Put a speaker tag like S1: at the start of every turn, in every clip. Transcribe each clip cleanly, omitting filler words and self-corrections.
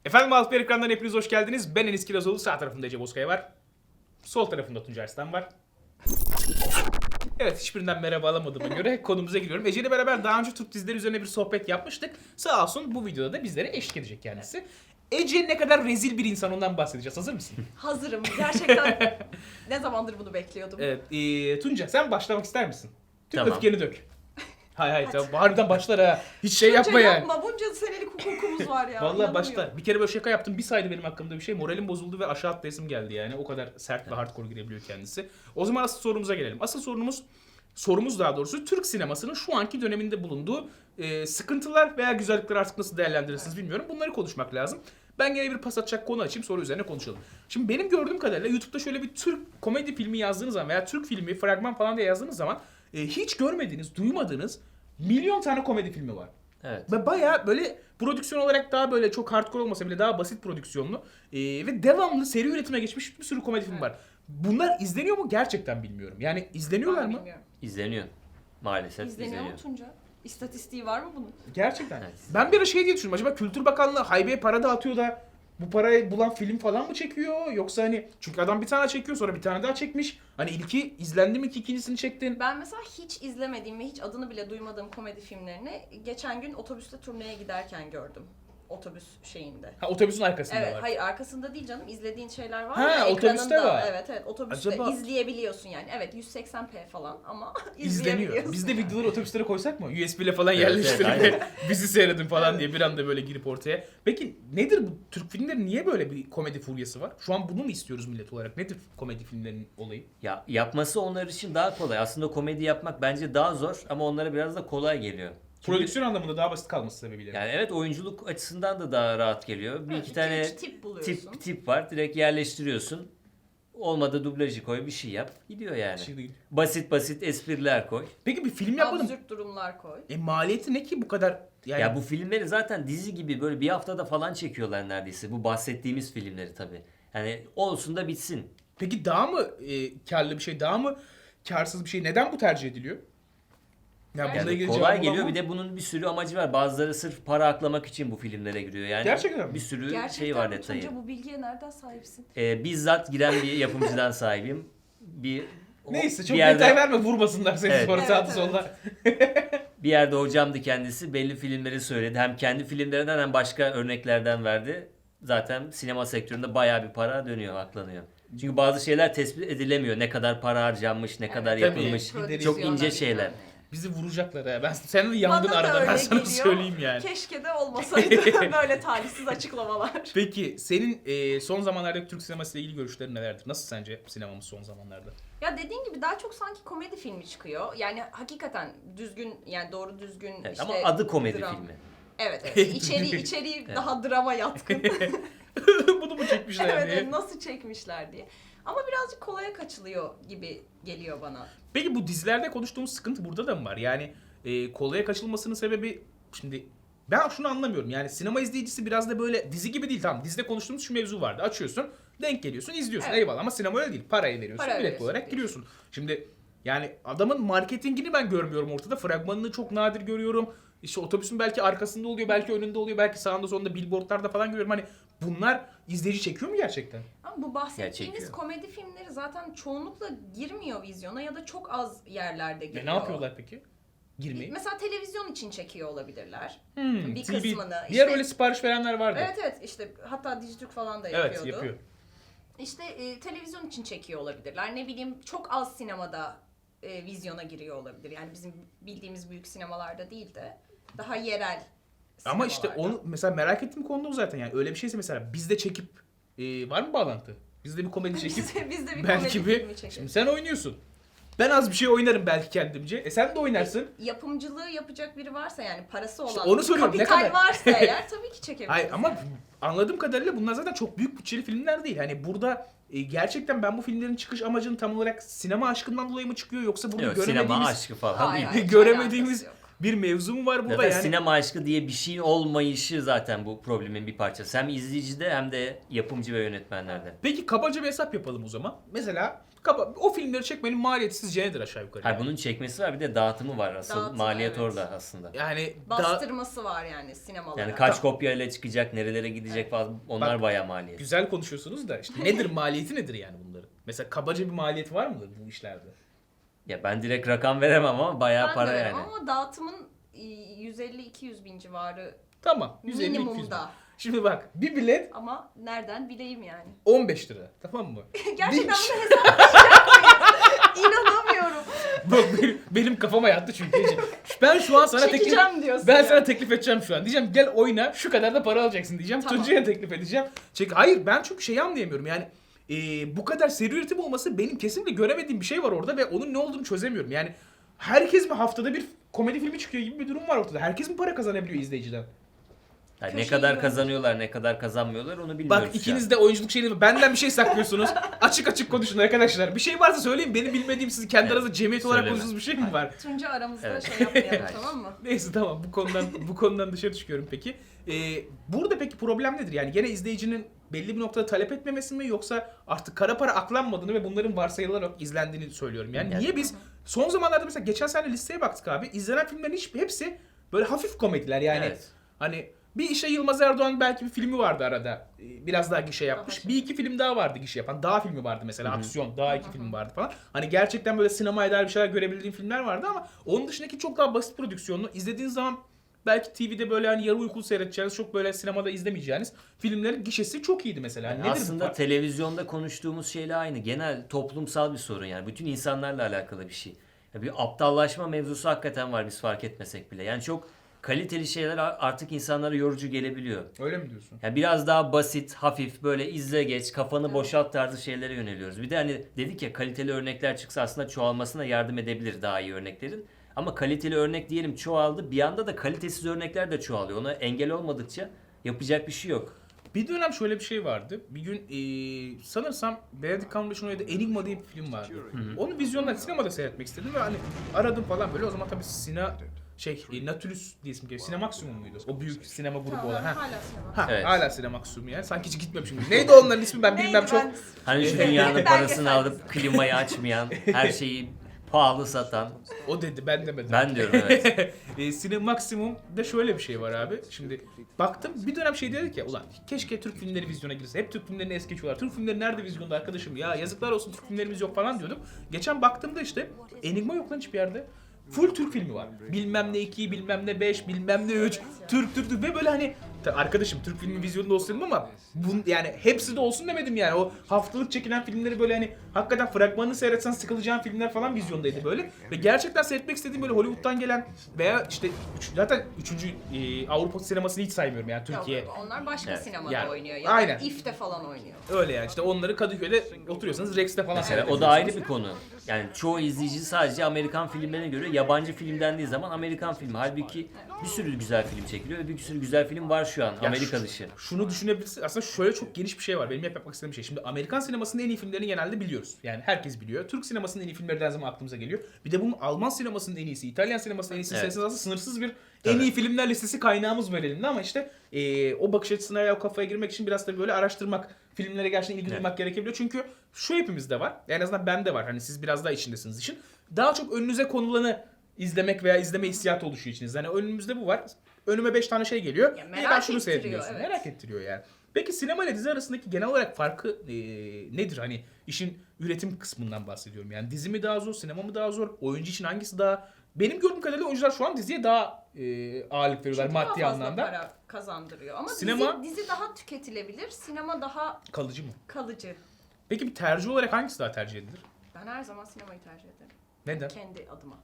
S1: Efendim Altı ekrandan hepiniz hoş geldiniz. Ben Enis Kirazoğlu. Sağ tarafımda Ece Bozkaya var. Sol tarafımda Tuncay Arslan var. Evet, hiçbirinden merhaba alamadığıma göre konumuza giriyorum. Ece ile beraber daha önce Türk dizileri üzerine bir sohbet yapmıştık. Sağ olsun bu videoda da bizlere eşlik edecek kendisi. Ece ne kadar rezil bir insan, ondan bahsedeceğiz. Hazır mısın?
S2: Hazırım. Gerçekten ne zamandır bunu bekliyordum.
S1: Evet. Tunca sen başlamak ister misin? Tüm
S3: Tamam.
S1: öfkeni dök. Hayır
S2: Hadi.
S1: tamam. Harbiden başlar ha. Hiç şey yapma
S2: Tunca
S1: yani.
S2: yapma. Bunca senelik hukukumuz var ya.
S1: Vallahi
S2: İnanamıyorum.
S1: başta bir kere böyle şaka yaptım. Bir saydı benim hakkımda bir şey. Moralim bozuldu ve aşağı atlayasım geldi yani. O kadar sert ve hardcore girebiliyor kendisi. O zaman asıl sorumuza gelelim. Asıl sorumuz daha doğrusu Türk sinemasının şu anki döneminde bulunduğu sıkıntılar veya güzellikleri artık nasıl değerlendirirsiniz bilmiyorum. Bunları konuşmak lazım. Ben gene bir pas atacak konu açayım, sonra üzerine konuşalım. Şimdi benim gördüğüm kadarıyla YouTube'da şöyle bir Türk komedi filmi yazdığınız zaman veya Türk filmi, fragman falan diye yazdığınız zaman hiç görmediğiniz, duymadığınız milyon tane komedi filmi var.
S3: Evet.
S1: Ve bayağı böyle prodüksiyon olarak daha böyle çok hardcore olmasa bile daha basit prodüksiyonlu ve devamlı seri üretime geçmiş bir sürü komedi film var. Bunlar izleniyor mu gerçekten bilmiyorum. Yani izleniyorlar
S2: Ben
S1: mı?
S2: bilmiyorum.
S3: İzleniyor. Maalesef
S2: İzleniyor mu Tunca? İstatistiği var mı bunun?
S1: Gerçekten.
S3: Evet.
S1: Ben bir ara şey diye düşündüm. Acaba Kültür Bakanlığı haybeye para dağıtıyor da bu parayı bulan film falan mı çekiyor? Yoksa hani çünkü adam bir tane çekiyor sonra bir tane daha çekmiş. Hani ilki izlendi mi ki ikincisini çektin?
S2: Ben mesela hiç izlemediğim ve hiç adını bile duymadığım komedi filmlerini geçen gün otobüste turneye giderken gördüm. Otobüs şeyinde.
S1: Ha, otobüsün arkasında
S2: Evet,
S1: var.
S2: hayır arkasında değil canım. İzlediğin şeyler var
S1: Ha,
S2: ya
S1: otobüste
S2: ekranında.
S1: var.
S2: Evet, otobüste
S1: Acaba-
S2: izleyebiliyorsun yani. Evet, 180p falan ama
S1: İzleniyor.
S2: izleyebiliyorsun.
S1: Biz de videoları otobüslere koysak mı? USB ile falan
S3: Evet,
S1: yerleştirip
S3: evet,
S1: bizi seyredin falan diye bir anda böyle girip ortaya. Peki nedir bu Türk filmleri, niye böyle bir komedi furyası var? Şu an bunu mu istiyoruz millet olarak? Nedir komedi filmlerinin olayı?
S3: Ya yapması onlar için daha kolay. Aslında komedi yapmak bence daha zor ama onlara biraz da kolay geliyor. Çünkü
S1: Prodüksiyon anlamında daha basit kalması sebebiyle.
S3: yani evet, oyunculuk açısından da daha rahat geliyor. Bir
S2: Evet,
S3: iki
S2: iki,
S3: tane
S2: üç tip buluyorsun.
S3: tip var. Direkt yerleştiriyorsun. Olmadı dublajı koy, bir şey yap. Gidiyor yani.
S1: Şey değil.
S3: Basit espriler koy.
S1: Peki bir film yapalım.
S2: Absürt durumlar koy.
S1: Maliyeti ne ki bu kadar? Yani
S3: Ya bu filmleri zaten dizi gibi böyle bir haftada falan çekiyorlar neredeyse. Bu bahsettiğimiz filmleri tabii. Yani olsun da bitsin.
S1: peki daha mı karlı bir şey, daha mı karsız bir şey? Neden bu tercih ediliyor? Yani bununla
S3: Yani
S1: ilgili
S3: kolay
S1: cevabı
S3: geliyor,
S1: olan
S3: bir de bunun bir sürü amacı var. Bazıları sırf para aklamak için bu filmlere giriyor. Yani
S1: Gerçekten mi?
S3: bir sürü
S2: Gerçekten
S3: şey var
S2: mi
S3: detayı.
S2: Tunca, bu bilgiye nereden sahipsin?
S3: Bizzat giren bir yapımcıdan sahibim.
S1: Neyse çok
S3: bir yerde,
S1: detay verme, vurmasınlar seni
S3: Evet.
S1: sonra
S2: Evet,
S1: sağda
S2: evet.
S1: solda.
S3: bir yerde hocamdı kendisi. Belli filmleri söyledi. Hem kendi filmlerinden hem başka örneklerden verdi. Zaten sinema sektöründe bayağı bir para dönüyor, aklanıyor. Çünkü bazı şeyler tespit edilemiyor. Ne kadar para harcanmış, ne kadar
S1: Tabii.
S3: yapılmış.
S1: Prodüksiyona
S3: Çok ince
S2: bilmem
S3: şeyler.
S2: ne.
S1: Bizi vuracaklar ha. Ben sen de yandın
S2: Bana da
S1: arada, ben
S2: öyle
S1: sana
S2: geliyor.
S1: söyleyeyim yani.
S2: Keşke de olmasaydı böyle talihsiz açıklamalar.
S1: Peki senin son zamanlardaki Türk sineması ile ilgili görüşlerin nelerdir? Nasıl sence sinemamız son zamanlarda?
S2: Ya dediğin gibi daha çok sanki komedi filmi çıkıyor. Yani hakikaten düzgün, yani doğru düzgün
S3: Evet,
S2: işte
S3: ama adı komedi
S2: dram.
S3: filmi.
S2: Evet. İçeriği
S3: Evet.
S2: daha drama yatkın.
S1: Bunu mu çekmişler
S2: evet,
S1: diye?
S2: evet, nasıl çekmişler diye. Ama birazcık kolaya kaçılıyor gibi geliyor bana.
S1: Peki bu dizilerde konuştuğumuz sıkıntı burada da mı var? Yani kolaya kaçılmasının sebebi, şimdi ben şunu anlamıyorum. Yani sinema izleyicisi biraz da böyle dizi gibi değil. Tamam, dizide konuştuğumuz şu mevzu vardı. Açıyorsun, denk geliyorsun, izliyorsun.
S2: Evet.
S1: Eyvallah, ama sinema öyle değil. Parayı veriyorsun,
S2: Para
S1: bilet
S2: veriyorsun,
S1: olarak
S2: diyorsun.
S1: giriyorsun. Şimdi yani adamın marketingini ben görmüyorum ortada. Fragmanını çok nadir görüyorum. İşte otobüsün belki arkasında oluyor, belki önünde oluyor, belki sağında solunda billboardlarda falan görüyorum. Hani bunlar izleyici çekiyor mu gerçekten?
S2: Ama bu bahsettiğimiz
S3: çekiyor.
S2: komedi filmleri zaten çoğunlukla girmiyor vizyona ya da çok az yerlerde giriyor.
S1: Ne yapıyorlar peki? Girmeyi.
S2: Mesela televizyon için çekiyor olabilirler. Bir
S1: TV.
S2: kısmını.
S1: Diğer
S2: işte-
S1: öyle sipariş verenler vardı.
S2: Evet, işte hatta Dijitürk falan da
S1: Evet,
S2: yapıyordu.
S1: yapıyor.
S2: İşte televizyon için çekiyor olabilirler. Ne bileyim, çok az sinemada vizyona giriyor olabilir. Yani bizim bildiğimiz büyük sinemalarda değil de daha yerel
S1: Ama işte
S2: sinemalarda.
S1: onu mesela merak ettiğim konu o zaten, yani öyle bir şeyse mesela bizde çekip var mı bağlantı? Bizde bir komedi çekip
S2: biz de bir
S1: belki
S2: komedi
S1: bir
S2: filmi çekelim.
S1: şimdi sen oynuyorsun. Ben az bir şey oynarım belki kendimce. Sen de oynarsın.
S2: Yapımcılığı yapacak biri varsa, yani parası olan,
S1: İşte onu soruyorum, ne
S2: kapital
S1: kadar?
S2: varsa eğer tabii ki çekebiliriz.
S1: Hayır ama anladığım kadarıyla bunlar zaten çok büyük bütçeli filmler değil. Hani burada gerçekten ben bu filmlerin çıkış amacının tam olarak sinema aşkından dolayı mı çıkıyor, yoksa burada
S3: Yok, sinema
S1: göremediğimiz
S3: aşkı falan
S2: Hayır,
S3: değil.
S2: hayır, hiç
S1: göremediğimiz
S2: alakası yok.
S1: bir mevzu mu var burada
S3: Zaten
S1: yani?
S3: sinema aşkı diye bir şeyin olmayışı zaten bu problemin bir parçası. Hem izleyicide hem de yapımcı ve yönetmenlerde.
S1: Peki kabaca bir hesap yapalım o zaman. Mesela o filmleri çekmenin maliyeti sizce nedir aşağı yukarı?
S3: Hayır,
S1: yani?
S3: bunun çekmesi var, bir de dağıtımı var. Asıl
S2: Dağıtımı,
S3: maliyet
S2: evet.
S3: orada aslında.
S1: Yani
S2: Bastırması var yani sinemalara.
S3: Yani kaç kopyayla çıkacak, nerelere gidecek falan, onlar
S1: Bak,
S3: bayağı maliyet.
S1: güzel konuşuyorsunuz da işte nedir maliyeti nedir yani bunların? Mesela kabaca bir maliyeti var mıdır bu işlerde?
S3: Ya ben direkt rakam veremem ama bayağı
S2: Ben
S3: para
S2: de öyle
S3: yani.
S2: ama dağıtımın 150-200 bin civarı
S1: Tamam. 150-200 bin.
S2: minimumda.
S1: Şimdi bak bir bilet
S2: Ama nereden bileyim yani.
S1: 15 lira. Tamam mı?
S2: Gerçekten
S1: Bir-
S2: bunu hesaplayacak mıyız? İnanamıyorum.
S1: Bak benim kafama yattı çünkü. Ben şu an sana teklif
S2: Çekeceğim diyorsun
S1: ben
S2: ya.
S1: sana teklif edeceğim şu an. Diyeceğim gel oyna şu kadar da para alacaksın diyeceğim.
S2: Tamam.
S1: Tuncay'a teklif edeceğim. Hayır ben çünkü şeyi anlayamıyorum yani. Bu kadar seri üretim olması benim kesinlikle göremediğim bir şey var orada ve onun ne olduğunu çözemiyorum. Yani herkes mi haftada bir komedi filmi çıkıyor gibi bir durum var ortada. Herkes mi para kazanabiliyor izleyiciden?
S3: Yani ne
S2: Köşeyi
S3: kadar
S2: görmüş.
S3: kazanıyorlar, ne kadar kazanmıyorlar onu bilmiyoruz.
S1: Bak ikiniz de oyunculuk şeyini benden bir şey saklıyorsunuz. Açık açık konuşun arkadaşlar. Bir şey varsa söyleyin. Benim bilmediğim sizin kendi
S3: Evet,
S1: aranızda cemiyet olarak
S3: söyleme.
S1: konuştuğunuz bir şey mi var?
S2: Tunca aramızda
S3: Evet.
S2: şey yapmayalım
S3: Evet.
S2: tamam mı?
S1: Neyse tamam bu konudan dışarı çıkıyorum peki. Burada peki problem nedir? Yani gene izleyicinin belli bir noktada talep etmemesi mi yoksa artık kara para aklanmadığını ve bunların varsayılarak izlendiğini söylüyorum. Yani
S3: Yani-
S1: niye biz son zamanlarda mesela geçen sene listeye baktık abi. İzlenen filmlerin hepsi böyle hafif komediler yani.
S3: Evet.
S1: Hani bir işte Yılmaz Erdoğan belki bir filmi vardı arada. Biraz daha gişe yapmış.
S2: Aha.
S1: Bir iki film daha vardı gişe yapan. Dağ filmi vardı mesela. Aksiyon. Dağ iki film vardı falan. Hani gerçekten böyle sinemaya dair bir şeyler görebildiğim filmler vardı ama onun dışındaki çok daha basit prodüksiyonlu. İzlediğiniz zaman belki TV'de böyle hani yarı uykulu seyredeceğiniz, çok böyle sinemada izlemeyeceğiniz filmlerin gişesi çok iyiydi mesela.
S3: Yani
S1: Nedir bu
S3: aslında
S1: fark?
S3: televizyonda konuştuğumuz şeyle aynı. Genel toplumsal bir sorun yani. Bütün insanlarla alakalı bir şey. Ya bir aptallaşma mevzusu hakikaten var biz fark etmesek bile. Yani çok kaliteli şeyler artık insanlara yorucu gelebiliyor.
S1: Öyle mi diyorsun?
S3: Yani biraz daha basit, hafif, böyle izle geç, kafanı boşalt tarzı şeylere yöneliyoruz. Bir de hani dedik ya, kaliteli örnekler çıksa aslında çoğalmasına yardım edebilir daha iyi örneklerin. Ama kaliteli örnek diyelim çoğaldı. Bir anda da kalitesiz örnekler de çoğalıyor. Ona engel olmadıkça yapacak bir şey yok.
S1: Bir dönem şöyle bir şey vardı. Bir gün sanırsam Benedict Cumberbatch'ın oynadığı Enigma diye bir film vardı. Onu vizyonda, sinemada seyretmek istedim ve hani aradım falan böyle. O zaman tabii Nautilus diye isim geliyor. Cinemaximum muydu? O büyük sinema grubu
S2: Tamam,
S1: olan. Ha.
S2: hala sinema.
S1: Ha,
S3: Evet.
S1: hala Cinemaximum yani. Sanki hiç gitmemişim. Neydi onların ismi ben bilmem
S2: Neydi
S1: çok.
S2: ben-
S3: Hani şu
S1: Evet.
S3: dünyanın
S2: Belgesel
S3: parasını
S2: dizisi.
S3: alıp klimayı açmayan, her şeyi pahalı satan.
S1: O dedi ben demedim.
S3: Ben diyorum evet.
S1: Cinemaximum'da şöyle bir şey var abi. Şimdi baktım bir dönem şey dedik ya ulan keşke Türk filmleri vizyona girse. Hep Türk filmlerini es geçiyorlar. Türk filmleri nerede vizyonda arkadaşım ya yazıklar olsun Türk filmlerimiz yok falan diyordum. Geçen baktığımda işte Enigma yok lan hiçbir yerde. Full Türk filmi var. Bilmem ne 2, bilmem ne 5, bilmem ne 3. Türk ve böyle hani arkadaşım Türk filmi vizyonda olsun dedim ama yani hepsi de olsun demedim yani. O haftalık çekilen filmleri böyle hani hakikaten fragmanını seyretsen sıkılacağın filmler falan vizyondaydı böyle. Ve gerçekten seyretmek istediğim böyle Hollywood'dan gelen veya işte zaten 3. Avrupa sinemasını hiç saymıyorum yani Türkiye.
S2: Yok, onlar başka
S3: Evet.
S2: sinemada
S1: Yani,
S2: oynuyor. Ya
S1: aynen.
S2: İF'te falan oynuyor.
S1: Öyle yani işte onları Kadıköy'de oturuyorsanız Rex'te falan
S3: Mesela o da ayrı bir konu. Yani çoğu izleyici sadece Amerikan filmlerine göre yabancı film dendiği zaman Amerikan filmi. Halbuki bir sürü güzel film çekiliyor ve bir sürü güzel film var şu an Amerika dışı.
S1: Şunu düşünebilirsin. Aslında şöyle çok geniş bir şey var. Benim hep yapmak istediğim şey. Şimdi Amerikan sinemasının en iyi filmlerini genelde biliyoruz. Yani herkes biliyor. Türk sinemasının en iyi filmleri de her zaman aklımıza geliyor. Bir de bunun Alman sinemasının en iyisi, İtalyan sinemasının en iyisi
S3: Evet.
S1: sayısız aslında sınırsız bir en
S3: Tabii.
S1: iyi filmler listesi kaynağımız var elinde ama işte o bakış açısına ya o kafaya girmek için biraz da böyle araştırmak, filmlere gerçekten ilgi duymak gerekebiliyor. Çünkü şu hepimizde var. En azından bende var. Hani siz biraz daha içindesiniz işin. Daha çok önünüze konulanı izlemek veya izleme hissiyatı oluşuyor içinizde. Hani önümüzde bu var. Önüme 5 tane şey geliyor.
S2: Ya
S1: İyi,
S2: merak
S1: ben şunu
S2: ettiriyor,
S1: seyrediyorsun.
S2: evet.
S1: Merak ettiriyor yani. Peki sinema ile dizi arasındaki genel olarak farkı nedir? Hani işin üretim kısmından bahsediyorum. Yani dizi mi daha zor, sinema mı daha zor? Oyuncu için hangisi daha... Benim gördüğüm kadarıyla oyuncular şu an diziye daha ağırlık veriyorlar
S2: Çünkü daha
S1: maddi
S2: fazla
S1: anlamda.
S2: para kazandırıyor. Ama
S1: Sinema-
S2: dizi daha tüketilebilir. Sinema daha
S1: Kalıcı mı?
S2: kalıcı.
S1: Peki bir tercih olarak hangisi daha tercih edilir?
S2: Ben her zaman sinemayı tercih ederim.
S1: Neden?
S2: Kendi adıma.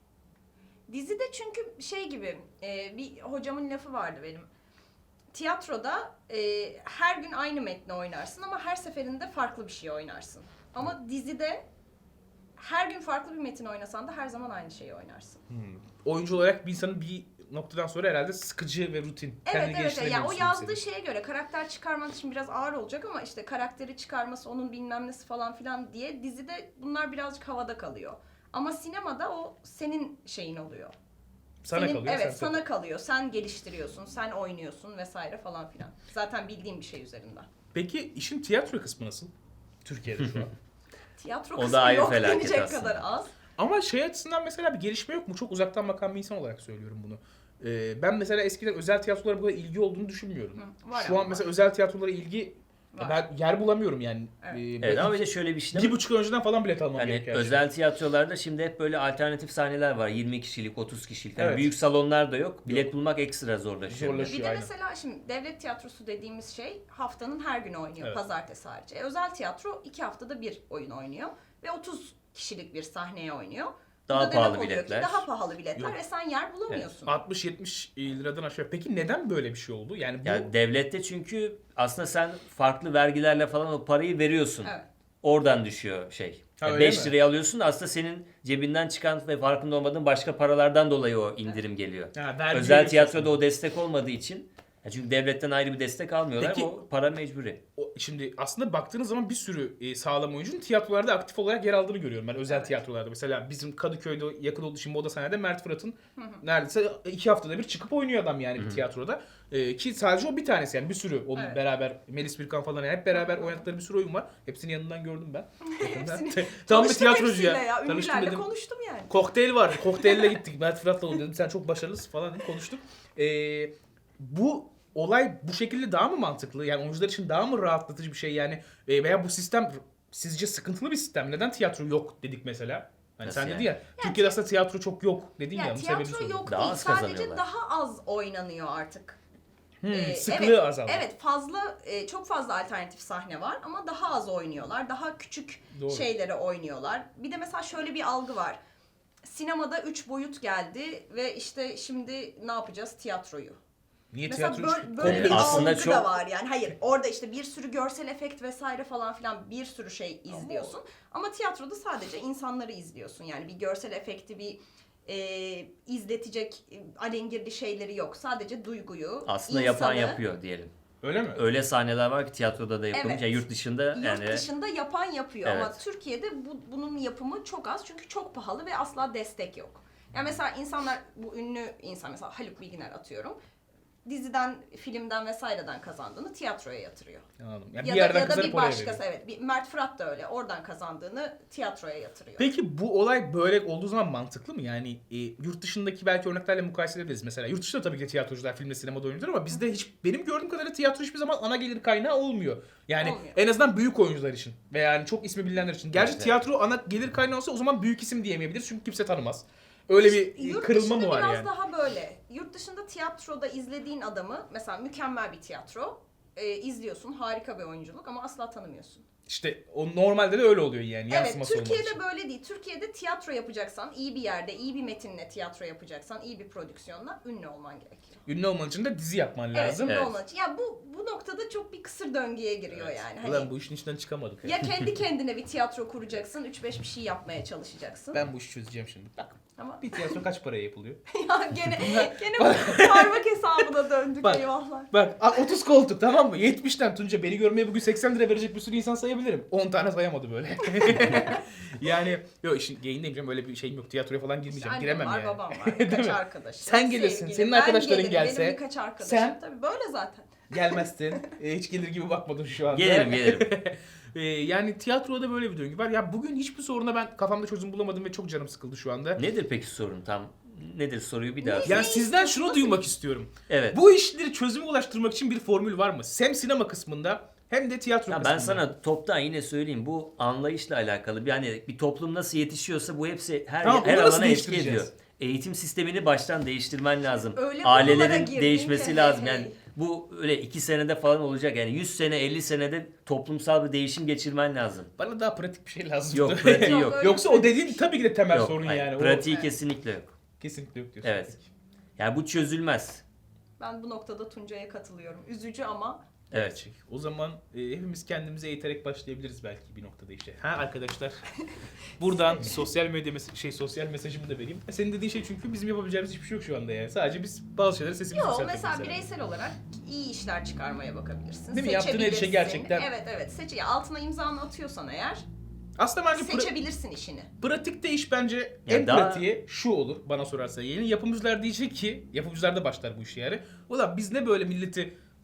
S2: Dizide çünkü şey gibi bir hocamın lafı vardı benim. Tiyatroda her gün aynı metni oynarsın ama her seferinde farklı bir şey oynarsın. Ama dizide her gün farklı bir metin oynasan da her zaman aynı şeyi oynarsın.
S1: Oyuncu olarak bir insanın bir noktadan sonra herhalde sıkıcı ve rutin.
S2: Evet. Ya o yazdığı
S1: şey.
S2: şeye göre karakter çıkarmak için biraz ağır olacak ama işte karakteri çıkarması onun bilmem nesi falan filan diye dizide bunlar birazcık havada kalıyor. Ama sinemada o senin şeyin oluyor.
S1: Sana
S2: Senin,
S1: kalıyor.
S2: evet
S1: sen
S2: sana kalıyor. Sen geliştiriyorsun, sen oynuyorsun vesaire falan filan. Zaten bildiğim bir şey üzerinden.
S1: Peki işin tiyatro kısmı nasıl? Türkiye'de şu an.
S2: Tiyatro
S3: O da
S2: kısmı
S3: ayrı
S2: yok
S3: felaket
S2: denecek
S3: aslında.
S2: kadar az.
S1: Ama şey açısından mesela bir gelişme yok mu? Çok uzaktan bakan bir insan olarak söylüyorum bunu. Ben mesela eskiden özel tiyatrolara bu kadar ilgi olduğunu düşünmüyorum.
S2: Var
S1: Şu
S2: ama
S1: an mesela özel tiyatrolara ilgi
S2: var.
S1: ben yer bulamıyorum yani.
S2: Evet.
S3: Evet ama bir de şöyle bir şey de
S1: bir
S3: var.
S1: buçuk ay önceden falan bilet almam
S3: Hani
S1: gerekiyor.
S3: özel tiyatrolarda şimdi hep böyle alternatif sahneler var. 20 kişilik, 30 kişilik. Yani
S1: Evet.
S3: büyük salonlar da yok. Bilet bulmak ekstra zorlaşıyor.
S1: Zorlaşıyor.
S2: Bir de
S1: aynen.
S2: mesela şimdi devlet tiyatrosu dediğimiz şey haftanın her günü oynuyor,
S1: Evet.
S2: pazartesi harici. Özel tiyatro 2 haftada bir oyun oynuyor ve 30 kişilik bir sahneye oynuyor. Bu
S3: Daha
S2: da demek
S3: pahalı
S2: oluyor ki
S3: biletler.
S2: daha pahalı biletler
S1: Yok.
S2: ve sen yer bulamıyorsun.
S1: 60-70 liradan aşağı. Peki neden böyle bir şey oldu? Yani bu
S3: Yani devlette çünkü aslında sen farklı vergilerle falan o parayı veriyorsun.
S2: Evet.
S3: Oradan düşüyor şey.
S1: Ha,
S3: Yani
S1: öyle
S3: 5
S1: mi?
S3: liraya alıyorsun da aslında senin cebinden çıkan ve farkında olmadığın başka paralardan dolayı o indirim geliyor.
S1: Ha, vergi
S3: Özel
S1: veriyorsun.
S3: tiyatroda o destek olmadığı için çünkü devletten ayrı bir destek almıyorlar
S1: Peki-
S3: ama o para mecburi.
S1: Şimdi aslında baktığınız zaman bir sürü sağlam oyuncunun tiyatrolarda aktif olarak yer aldığını görüyorum ben özel
S2: Evet.
S1: tiyatrolarda. Mesela bizim Kadıköy'de yakın olduğu için Moda Sahne'de Mert Fırat'ın neredeyse 2 haftada bir çıkıp oynuyor adam yani bir tiyatroda. Ki sadece o bir tanesi yani bir sürü onun
S2: Evet.
S1: beraber Melis Birkan falan yani hep beraber oynadıkları bir sürü oyun var. Hepsini yanından gördüm ben. Tam bir
S2: Tanıştım
S1: tiyatrocu
S2: hepsiyle
S1: ya. Tanıştım
S2: Ünlülerle
S1: dedim.
S2: konuştum yani.
S1: Kokteyl vardı. Kokteyle gittik. Mert Fırat'la dedim sen çok başarılısın falan dedim konuştuk. Bu olay bu şekilde daha mı mantıklı? Yani oyuncular için daha mı rahatlatıcı bir şey yani? Veya bu sistem sizce sıkıntılı bir sistem? Neden tiyatro yok dedik mesela? Hani
S3: Nasıl
S1: sen
S3: yani?
S1: dedin ya Türkiye'de aslında tiyatro çok yok dedin ya.
S2: Yani
S1: Bunun sebebini
S2: tiyatro
S1: soruyorum.
S2: yok
S3: Daha
S2: değil.
S3: az
S2: Sadece
S3: kazanıyorlar.
S2: daha az oynanıyor artık.
S1: Sıklığı
S2: evet,
S1: azaldı.
S2: Evet fazla çok fazla alternatif sahne var ama daha az oynuyorlar. Daha küçük
S1: Doğru.
S2: şeylere oynuyorlar. Bir de mesela şöyle bir algı var. Sinemada 3 boyut geldi ve işte şimdi ne yapacağız tiyatroyu?
S1: Niye
S2: Mesela
S1: tiyatro
S2: böyle bir
S3: Aslında
S2: algı
S3: çok-
S2: da var yani. Hayır orada işte bir sürü görsel efekt vesaire falan filan bir sürü şey izliyorsun. Ama tiyatroda sadece insanları izliyorsun. Yani bir görsel efekti bir izletecek alengirli şeyleri yok. Sadece duyguyu,
S3: Aslında yapan
S2: insanı-
S3: yapıyor diyelim.
S1: Öyle mi?
S3: Öyle sahneler var ki tiyatroda da yapılmış.
S2: Evet.
S3: Yani yurt dışında yani
S2: Yurt dışında yapan yapıyor ama
S3: Evet.
S2: Türkiye'de bunun yapımı çok az çünkü çok pahalı ve asla destek yok. Yani mesela insanlar bu ünlü insan mesela Haluk Bilginer atıyorum. Diziden, filmden vesaireden kazandığını tiyatroya yatırıyor.
S1: Anladım. Yani
S2: Ya
S1: bir
S2: da,
S1: yerden
S2: ya da
S1: kazanıp
S2: bir
S1: oraya
S2: başkası
S1: veriyor.
S2: evet. Mert Fırat da öyle. Oradan kazandığını tiyatroya yatırıyor.
S1: Peki bu olay böyle olduğu zaman mantıklı mı? Yani yurt dışındaki belki örneklerle mukayese edebiliriz. Mesela yurt dışında tabii ki tiyatrocular, filmde, sinemada oyuncular ama bizde hiç benim gördüğüm kadarıyla tiyatro hiçbir zaman ana gelir kaynağı olmuyor. Yani
S2: Olmuyor.
S1: en azından büyük oyuncular için veya yani çok ismi bilinenler için. Gerçi
S3: Evet.
S1: tiyatro ana gelir kaynağı olsa o zaman büyük isim diyemeyebiliriz çünkü kimse tanımaz. Öyle bir
S2: Yurt
S1: kırılma mı
S2: dışında
S1: var
S2: biraz
S1: yani?
S2: daha böyle. Yurt dışında tiyatroda izlediğin adamı mesela mükemmel bir tiyatro izliyorsun. Harika bir oyunculuk ama asla tanımıyorsun.
S1: İşte o normalde de öyle oluyor yani
S2: Evet,
S1: yansıması olmadığı için.
S2: Türkiye'de böyle değil. Türkiye'de tiyatro yapacaksan, iyi bir yerde, iyi bir metinle tiyatro yapacaksan, iyi bir prodüksiyonla ünlü olman gerekiyor.
S1: Ünlü olman için de dizi yapman lazım.
S2: Evet, ünlü
S3: Evet.
S2: olman için. Ya bu noktada çok bir kısır döngüye giriyor yani. Hani
S1: Ulan bu işin içinden çıkamadık.
S2: ya kendi kendine bir tiyatro kuracaksın, 3-5 bir şey yapmaya çalışacaksın.
S1: Ben bu işi çözeceğim şimdi. Bak
S2: Ama
S1: bir tiyatro kaç paraya yapılıyor?
S2: ya gene bu parmak hesabına döndük
S1: Bak.
S2: eyvahlar.
S1: Bak 30 koltuk tamam mı? 70'ten Tunca beni görmeye bugün 80 lira verecek bir sürü insan sayabilirim. 10 tane sayamadı böyle. Yani yok işin geyindeyim canım öyle bir şeyim yok. Tiyatroya falan girmeyeceğim.
S2: Annem
S1: Giremem
S2: var,
S1: yani.
S2: babam var,
S1: Değil
S2: birkaç
S1: mi?
S2: arkadaşım.
S1: Sen gelirsin,
S2: sevgilim,
S1: senin
S2: ben
S1: arkadaşların
S2: gelirim,
S1: gelse,
S2: Benim birkaç arkadaşım.
S1: sen-
S2: Tabii böyle zaten.
S1: Gelmezsin. Hiç gelir gibi bakmadın şu anda.
S3: gelirim.
S1: Yani tiyatroda böyle bir döngü var. Ya bugün hiçbir soruna ben kafamda çözüm bulamadım ve çok canım sıkıldı şu anda.
S3: Nedir peki sorun tam? Nedir soruyu bir daha?
S2: Ne?
S1: Yani
S2: Ne
S1: sizden
S2: istiyorsun?
S1: şunu
S2: Nasıl-
S1: duymak istiyorum.
S3: Evet.
S1: Bu işleri çözüme ulaştırmak için bir formül var mı? Hem sinema kısmında hem de tiyatro
S3: Ya
S1: kısmında.
S3: ben sana toptan yine söyleyeyim bu anlayışla alakalı. Yani bir toplum nasıl yetişiyorsa bu hepsi her
S1: Tamam,
S3: her
S1: onu nasıl
S3: alana etki
S1: değiştireceğiz?
S3: ediyor. Eğitim sistemini baştan değiştirmen lazım.
S2: Öyle konulara
S3: Ailelerin
S2: girdin
S3: değişmesi
S2: ki,
S3: lazım.
S2: hey,
S3: Yani
S2: hey.
S3: bu öyle 2 senede falan olacak. Yani 100 sene 50 senede toplumsal bir değişim geçirmen lazım.
S1: Bana daha pratik bir şey lazım.
S3: Yok pratiği
S2: Yok,
S3: yok.
S2: öyle
S1: Yoksa o dediğin tabii ki de temel
S3: Yok,
S1: sorun
S3: hayır,
S1: yani.
S3: pratiği
S2: Evet.
S3: kesinlikle yok.
S1: O kesinlikle yok diyorsun.
S3: Evet. Yani bu çözülmez.
S2: Ben bu noktada Tuncay'a katılıyorum. Üzücü ama
S3: Evet.
S1: Gerçek. O zaman hepimiz kendimize eğiterek başlayabiliriz belki bir noktada işte. Ha arkadaşlar. Buradan sosyal medya sosyal mesajımı da vereyim. Senin dediğin şey çünkü bizim yapabileceğimiz hiçbir şey yok şu anda yani. Sadece biz bazı şeyleri sesimizi
S2: yok
S1: yükseltebiliriz.
S2: mesela
S1: yani.
S2: bireysel olarak iyi işler çıkarmaya bakabilirsin.
S1: Değil mi? Yaptığın her işe
S2: Seçebilirsin.
S1: gerçekten-
S2: Evet ya altına imzanı atıyorsan eğer
S1: Aslında bence
S2: seçebilirsin işini.
S1: pratikte iş bence
S3: Ya
S1: en
S3: daha-
S1: pratiği şu olur bana sorarsan. Yeni yapımcılar diyecek ki, yapımcılar da başlar bu işe yani. Ulan biz ne böyle milleti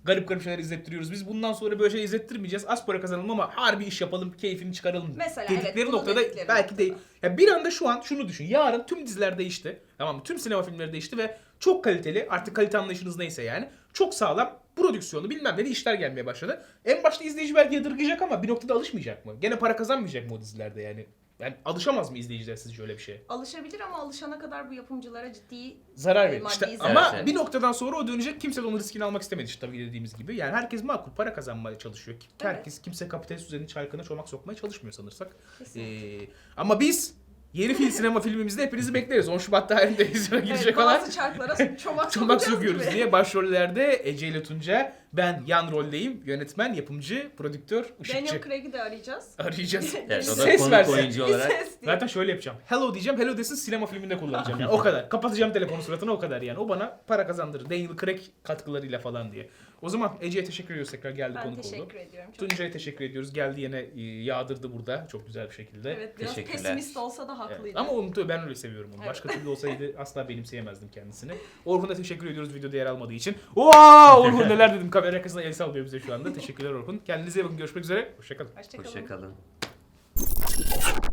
S1: garip garip şeyler izlettiriyoruz. Biz bundan sonra böyle şey izlettirmeyeceğiz. Az para kazanalım ama harbi iş yapalım, keyfini çıkaralım
S2: Mesela
S1: dedikleri
S2: evet, bunu
S1: noktada
S2: dedikleri
S1: belki
S2: noktada.
S1: değil. Ya bir anda şu an şunu düşün. Yarın tüm diziler değişti. Tamam mı? Tüm sinema filmleri değişti ve çok kaliteli, artık kalite anlayışınız neyse yani. Çok sağlam prodüksiyonu bilmem ne işler gelmeye başladı. En başta izleyici belki yadırgayacak ama bir noktada alışmayacak mı? Gene para kazanmayacak mı o dizilerde yani? Yani alışamaz mı izleyiciler sizce öyle bir şeye?
S2: Alışabilir ama alışana kadar bu yapımcılara ciddi
S1: Zarar verir.
S2: maddi
S1: İşte
S2: zarar.
S1: ama
S3: Evet.
S1: bir noktadan sonra o dönecek. Kimse de onun riskini almak istemedi işte tabii dediğimiz gibi. Yani herkes makul para kazanmaya çalışıyor. Herkes kimse kapitalist düzenin çarkına çomak sokmaya çalışmıyor sanırsak.
S2: Kesinlikle.
S1: Ama biz yeni sinema filmimizde hepinizi bekleriz. 10 Şubat'ta halinde televizyona girecek
S2: Evet,
S1: olan
S2: bazı çarklara çomak
S1: çomak
S2: sokacağız
S1: sokuyoruz
S2: gibi.
S1: diye başrollerde Ece ile Tunca, ben yan roldeyim. Yönetmen, yapımcı, prodüktör, ışıkçı.
S2: Daniel Craig'i de arayacağız.
S1: Arayacağız.
S3: Evet, o da
S1: Ses
S3: konuk
S1: versin.
S3: oyuncu olarak.
S2: Bir ses diye.
S1: Zaten şöyle yapacağım. Hello diyeceğim. Hello desin, sinema filminde kullanacağım yani. O kadar. Kapatacağım telefonu suratına, o kadar yani. O bana para kazandırır. Daniel Craig katkılarıyla falan diye. O zaman Ece'ye teşekkür ediyoruz tekrar, geldi
S2: Ben
S1: konuk oldu.
S2: teşekkür ediyorum. Çok
S1: Tuncay'a teşekkür ediyoruz. Geldi yine yağdırdı burada çok güzel bir şekilde.
S2: Evet, biraz
S3: Teşekkürler.
S2: pesimist olsa da
S1: Evet.
S2: haklıydı.
S1: Ama onu ben öyle seviyorum onu.
S2: Evet.
S1: Başka türlü olsaydı asla benimseyemezdim kendisini. Orhun'a teşekkür ediyoruz videoda yer almadığı için. Oha! Orhun neler dedim, kamera arkasında el sallıyor bize şu anda. Teşekkürler Orhun. Kendinize iyi bakın. Görüşmek üzere. Hoşçakalın.
S2: Hoşçakalın.
S3: Hoşçakalın.